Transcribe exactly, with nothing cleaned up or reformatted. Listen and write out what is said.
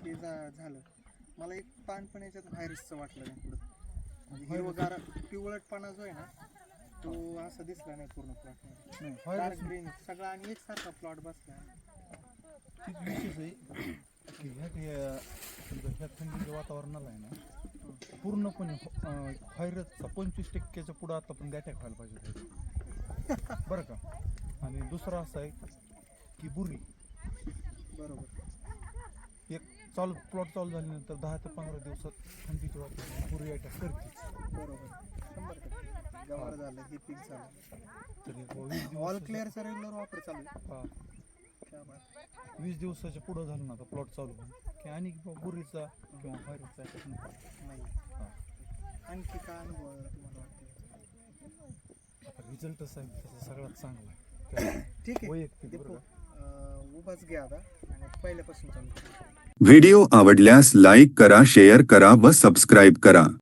ते झा- झालं. मला एक पान पण याच्यात व्हायरसचं वाटलं नाही पुढं. म्हणजे हिरवगार पिवळटपणा जो आहे ना तो असा दिसला नाही पूर्ण प्लॉटमध्ये. नाही डार्क व्हायरस ग्रीन सगळा आणि एकसारखा प्लॉट बसला. ठीक विशेष आहे की ह्या ह्या समजा ह्या थंडीच्या वातावरणाला आहे ना पूर्णपणे अं, व्हायरसचा पंचवीस टक्क्याच्या पुढं आता पण अटॅक व्हायला पाहिजे बरं का. आणि दुसरं असं आहे की बुरी बरोबर. एक चालू प्लॉट चालू झाल्यानंतर दहा ते पंधरा दिवसात थंडीच्या वातावरणात बुरी अटॅक करते. बरोबर शंभर टक्के गवार झालं हे पीक झालं. तरी वीस ऑल दिवस क्लिअरचा रेग्युलर वापर चालू आहे. हा, क्या बात. वीस दिवसाच्या पुढं झालं ना आता प्लॉट चालू होऊन की आणि बुरीचा किंवा व्हायरसचा अटॅक नको. नाही हा. आणखी काय अनुभव आला तुम्हाला वाटतं? रिझल्टच आहे त्याचा सगळ्यात चांगला आहे. ठीक आहे वैयक्तिक ते बरं का. अं, उभाच घ्या आता आणि पहिल्यापासून चालू करू. व्हिडिओ आवडल्यास लाईक करा, शेअर करा व सबस्क्राईब करा.